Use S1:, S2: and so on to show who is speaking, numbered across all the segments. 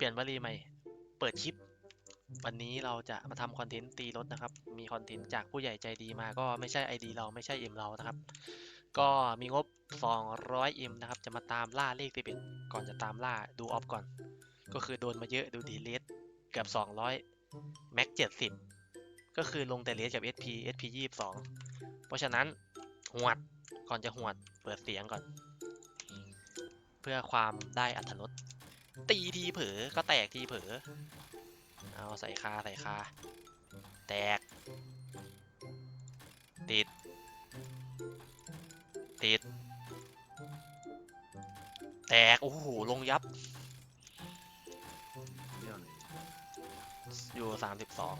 S1: ลี่ยนวลีใหม่เปิดคลิปวันนี้เราจะมาทำคอนเทนต์ตีรถนะครับมีคอนเทนต์จากผู้ใหญ่ใจดีมาก็ไม่ใช่ ID เราไม่ใช่เอ็มเรานะครับก็มีงบ200Mนะครับจะมาตามล่าเลข11ก่อนจะตามล่าดูออฟก่อนก็คือโดนมาเยอะดูดีเลสเกือบ200แม็ก70ก็คือลงแต่เลสกับ SP 22เพราะฉะนั้นหวดก่อนจะหวดเปิดเสียงก่อนเพื่อความได้อรรถรสตีทีเผลอก็แตกทีเผลอเอาใส่คาแตกติดแตกโอ้โหลงยับอยู่32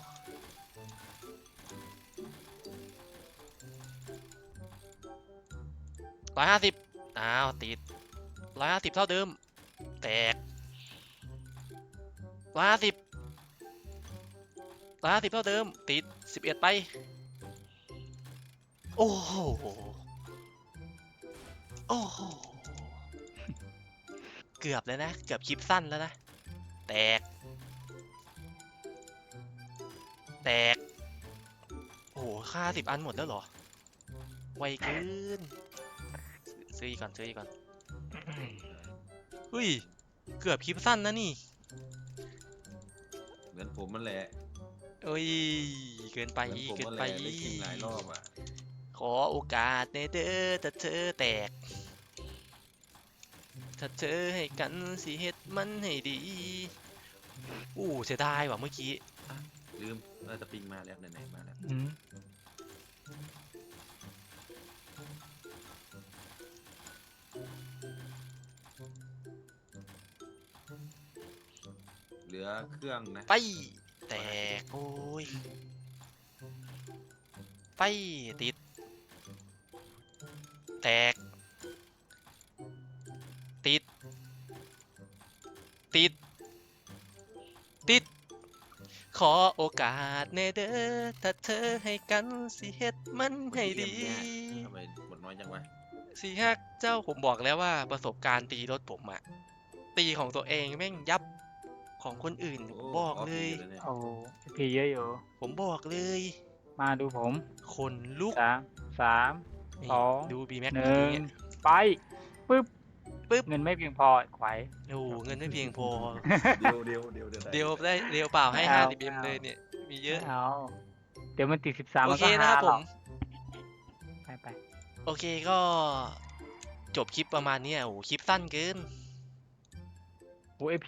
S1: 150อ้าวติด150เท่าเดิมแตก150เท่าเดิมติด11ไปโอ้โหเกือบแล้วนะเกือบคลิปสั้นแล้วนะแตกโอ้โหค่า10 อันหมดแล้วเหรอไวเกินซื้ออีกก่อนเฮ้ยเกือบคลิปสั้นนะนี่
S2: เหมือนผมมันแหละ
S1: เอ้ยเกินไป
S2: ได้กินหลายรอบอ่ะ
S1: ขอโอกาสในเด้อถ้าเธอแตกถ้าเธอให้กันสิเฮ็ดมันให้ดีเสียดายว่ะเมื่อกี้
S2: ลืมสปริงมาแล้วไหนๆมาแล้วเหลือเครื่องนะ
S1: ไปแตกโอ้ยไปติดแตกติดขอโอกาสในเด้อถ้าเธอให้กันสิเฮ็ดมันให้ดี
S2: ทำไมหมดน้อยจังวะ
S1: สิฮักเจ้าผมบอกแล้วว่าประสบการณ์ตีรถผมอะตีของตัวเองแม่งยับของคนอื่นผมบอกเลย
S3: โอ้พีเยอะอยู่
S1: ผมบอกเลย
S3: มาดูผม
S1: คนลุก
S3: 3 2
S1: ดูบีแม็ก
S3: 1ไปปึ๊บเงินไม่เพียงพอไขว
S1: เงินไม่เพียงพอ
S2: เดียว
S1: ได้เดียวเปล่าให้50Mเลยเนี่ยมีเยอะ
S3: เอาเดี๋ยวมันติด13
S1: โอเคนะครับผม
S3: ไป
S1: โอเคก็จบคลิปประมาณนี้คลิปสั้นเกิน
S3: โอ้